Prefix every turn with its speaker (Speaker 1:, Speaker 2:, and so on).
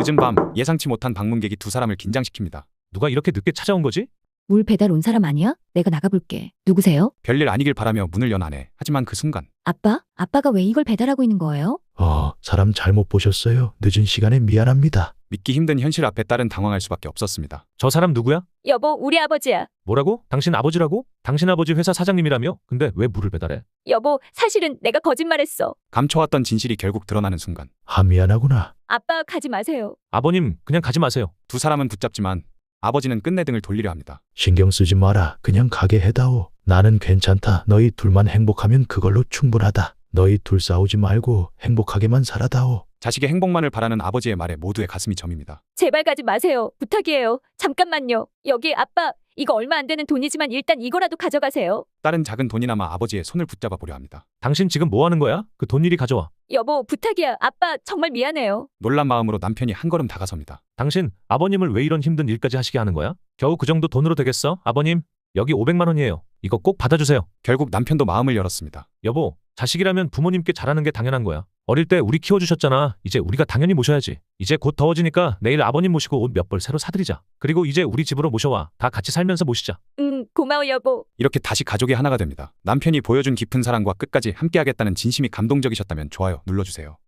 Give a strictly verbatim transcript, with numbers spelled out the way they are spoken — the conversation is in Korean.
Speaker 1: 늦은 밤 예상치 못한 방문객이 두 사람을 긴장시킵니다.
Speaker 2: 누가 이렇게 늦게 찾아온 거지?
Speaker 3: 물 배달 온 사람 아니야? 내가 나가볼게. 누구세요?
Speaker 1: 별일 아니길 바라며 문을 연 아내. 하지만 그 순간
Speaker 3: 아빠? 아빠가 왜 이걸 배달하고 있는 거예요?
Speaker 4: 어, 사람 잘못 보셨어요. 늦은 시간에 미안합니다.
Speaker 1: 믿기 힘든 현실 앞에 딸은 당황할 수밖에 없었습니다.
Speaker 2: 저 사람 누구야?
Speaker 5: 여보, 우리 아버지야.
Speaker 2: 뭐라고? 당신 아버지라고? 당신 아버지 회사 사장님이라며? 근데 왜 물을 배달해?
Speaker 5: 여보, 사실은 내가 거짓말했어.
Speaker 1: 감춰왔던 진실이 결국 드러나는 순간
Speaker 4: 아, 미안하구나.
Speaker 5: 아빠 가지 마세요.
Speaker 2: 아버님, 그냥 가지 마세요.
Speaker 1: 두 사람은 붙잡지만 아버지는 끝내 등을 돌리려 합니다.
Speaker 4: 신경 쓰지 마라. 그냥 가게 해다오. 나는 괜찮다. 너희 둘만 행복하면 그걸로 충분하다. 너희 둘 싸우지 말고 행복하게만 살아다오.
Speaker 1: 자식의 행복만을 바라는 아버지의 말에 모두의 가슴이 저밉니다.
Speaker 5: 제발 가지 마세요. 부탁이에요. 잠깐만요. 여기 아빠, 이거 얼마 안 되는 돈이지만 일단 이거라도 가져가세요.
Speaker 1: 딸은 작은 돈이나마 아버지의 손을 붙잡아 보려 합니다.
Speaker 2: 당신 지금 뭐 하는 거야? 그 돈 이리 가져와.
Speaker 5: 여보, 부탁이야. 아빠 정말 미안해요.
Speaker 1: 놀란 마음으로 남편이 한 걸음 다가섭니다.
Speaker 2: 당신 아버님을 왜 이런 힘든 일까지 하시게 하는 거야? 겨우 그 정도 돈으로 되겠어? 아버님, 여기 오백만 원이에요. 이거 꼭 받아주세요.
Speaker 1: 결국 남편도 마음을 열었습니다.
Speaker 2: 여보, 자식이라면 부모님께 잘하는 게 당연한 거야. 어릴 때 우리 키워주셨잖아. 이제 우리가 당연히 모셔야지. 이제 곧 더워지니까 내일 아버님 모시고 옷 몇 벌 새로 사드리자. 그리고 이제 우리 집으로 모셔와. 다 같이 살면서 모시자.
Speaker 5: 응, 고마워 여보.
Speaker 1: 이렇게 다시 가족이 하나가 됩니다. 남편이 보여준 깊은 사랑과 끝까지 함께하겠다는 진심이 감동적이셨다면 좋아요 눌러주세요.